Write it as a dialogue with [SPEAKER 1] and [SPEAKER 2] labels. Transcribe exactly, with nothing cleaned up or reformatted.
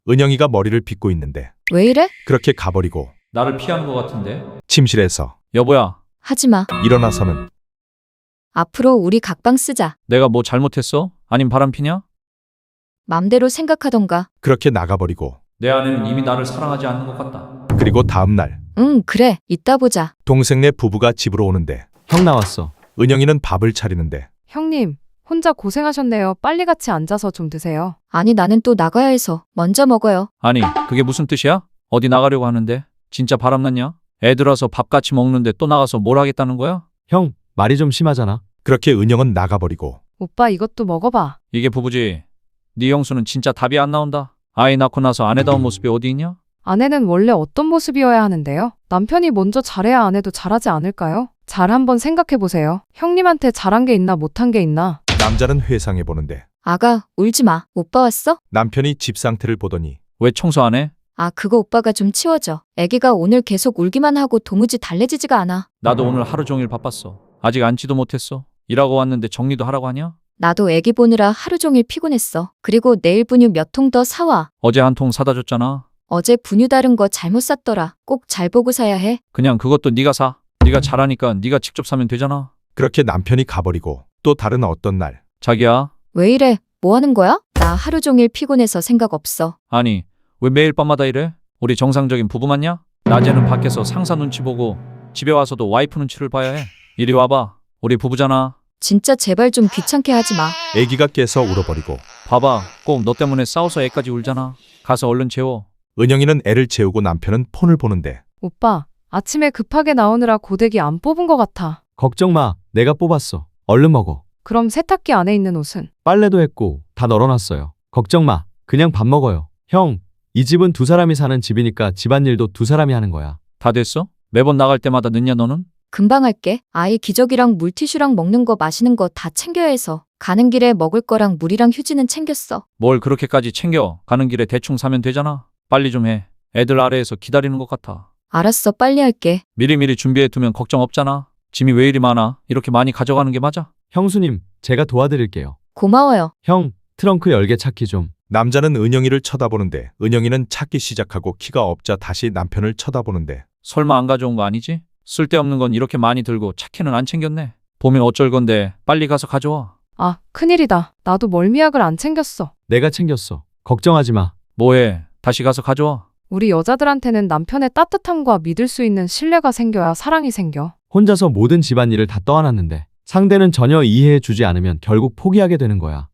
[SPEAKER 1] 은영이가 머리를 빗고 있는데
[SPEAKER 2] 왜 이래?
[SPEAKER 1] 그렇게 가버리고
[SPEAKER 3] 나를 피하는 것 같은데?
[SPEAKER 1] 침실에서
[SPEAKER 3] 여보야,
[SPEAKER 2] 하지마.
[SPEAKER 1] 일어나서는
[SPEAKER 2] 앞으로 우리 각방 쓰자.
[SPEAKER 3] 내가 뭐 잘못했어? 아님 바람피냐?
[SPEAKER 2] 맘대로 생각하던가.
[SPEAKER 1] 그렇게 나가버리고
[SPEAKER 3] 내 아내는 이미 나를 사랑하지 않는 것 같다.
[SPEAKER 1] 그리고 다음날
[SPEAKER 2] 응, 그래. 이따 보자.
[SPEAKER 1] 동생네 부부가 집으로 오는데
[SPEAKER 4] 형 나왔어.
[SPEAKER 1] 은영이는 밥을 차리는데
[SPEAKER 5] 형님, 혼자 고생하셨네요. 빨리 같이 앉아서 좀 드세요.
[SPEAKER 2] 아니, 나는 또 나가야 해서 먼저 먹어요.
[SPEAKER 3] 아니, 그게 무슨 뜻이야? 어디 나가려고 하는데? 진짜 바람났냐? 애들 와서 밥 같이 먹는데 또 나가서 뭘 하겠다는 거야?
[SPEAKER 4] 형, 말이 좀 심하잖아.
[SPEAKER 1] 그렇게 은영은 나가버리고
[SPEAKER 5] 오빠 이것도 먹어봐.
[SPEAKER 3] 이게 부부지. 네 형수는 진짜 답이 안 나온다. 아이 낳고 나서 아내다운 모습이 어디 있냐?
[SPEAKER 5] 아내는 원래 어떤 모습이어야 하는데요? 남편이 먼저 잘해야 아내도 잘하지 않을까요? 잘 한번 생각해 보세요. 형님한테 잘한 게 있나 못한 게 있나?
[SPEAKER 1] 남자는 회상해 보는데
[SPEAKER 2] 아가, 울지 마. 오빠 왔어?
[SPEAKER 1] 남편이 집 상태를 보더니
[SPEAKER 3] 왜 청소 안 해?
[SPEAKER 2] 아, 그거 오빠가 좀 치워줘. 애기가 오늘 계속 울기만 하고 도무지 달래지지가 않아.
[SPEAKER 3] 나도 오늘 하루 종일 바빴어. 아직 앉지도 못했어. 일하고 왔는데 정리도 하라고 하냐?
[SPEAKER 2] 나도 애기 보느라 하루 종일 피곤했어. 그리고 내일 분유 몇 통 더 사와.
[SPEAKER 3] 어제 한 통 사다 줬잖아.
[SPEAKER 2] 어제 분유 다른 거 잘못 샀더라. 꼭 잘 보고 사야 해.
[SPEAKER 3] 그냥 그것도 네가 사. 네가 잘하니까 네가 직접 사면 되잖아.
[SPEAKER 1] 그렇게 남편이 가버리고 또 다른 어떤 날
[SPEAKER 3] 자기야,
[SPEAKER 2] 왜 이래? 뭐 하는 거야? 나 하루 종일 피곤해서 생각 없어.
[SPEAKER 3] 아니 왜 매일 밤마다 이래? 우리 정상적인 부부 맞냐? 낮에는 밖에서 상사 눈치 보고 집에 와서도 와이프 눈치를 봐야 해. 이리 와봐. 우리 부부잖아.
[SPEAKER 2] 진짜 제발 좀 귀찮게 하지 마.
[SPEAKER 1] 아기가 깨서 울어버리고
[SPEAKER 3] 봐봐. 꼭 너 때문에 싸워서 애까지 울잖아. 가서 얼른 재워.
[SPEAKER 1] 은영이는 애를 재우고 남편은 폰을 보는데
[SPEAKER 5] 오빠, 아침에 급하게 나오느라 고데기 안 뽑은 것 같아.
[SPEAKER 4] 걱정 마. 내가 뽑았어. 얼른 먹어.
[SPEAKER 5] 그럼 세탁기 안에 있는 옷은?
[SPEAKER 4] 빨래도 했고 다 널어놨어요. 걱정 마. 그냥 밥 먹어요. 형, 이 집은 두 사람이 사는 집이니까 집안일도 두 사람이 하는 거야.
[SPEAKER 3] 다 됐어? 매번 나갈 때마다 늦냐 너는?
[SPEAKER 2] 금방 할게. 아이 기저귀랑 물티슈랑 먹는 거 마시는 거 다 챙겨야 해서. 가는 길에 먹을 거랑 물이랑 휴지는 챙겼어.
[SPEAKER 3] 뭘 그렇게까지 챙겨. 가는 길에 대충 사면 되잖아. 빨리 좀 해. 애들 아래에서 기다리는 것 같아.
[SPEAKER 2] 알았어, 빨리 할게.
[SPEAKER 3] 미리미리 준비해두면 걱정 없잖아. 짐이 왜 이리 많아? 이렇게 많이 가져가는 게 맞아?
[SPEAKER 4] 형수님, 제가 도와드릴게요.
[SPEAKER 2] 고마워요.
[SPEAKER 4] 형, 트렁크 열개 찾기 좀.
[SPEAKER 1] 남자는 은영이를 쳐다보는데 은영이는 찾기 시작하고 키가 없자 다시 남편을 쳐다보는데
[SPEAKER 3] 설마 안 가져온 거 아니지? 쓸데없는 건 이렇게 많이 들고 차키는 안 챙겼네. 보면 어쩔 건데 빨리 가서 가져와.
[SPEAKER 5] 아, 큰일이다. 나도 멀미약을 안 챙겼어.
[SPEAKER 4] 내가 챙겼어. 걱정하지 마.
[SPEAKER 3] 뭐해? 다시 가서 가져와.
[SPEAKER 5] 우리 여자들한테는 남편의 따뜻함과 믿을 수 있는 신뢰가 생겨야 사랑이 생겨.
[SPEAKER 4] 혼자서 모든 집안일을 다 떠안았는데 상대는 전혀 이해해 주지 않으면 결국 포기하게 되는 거야.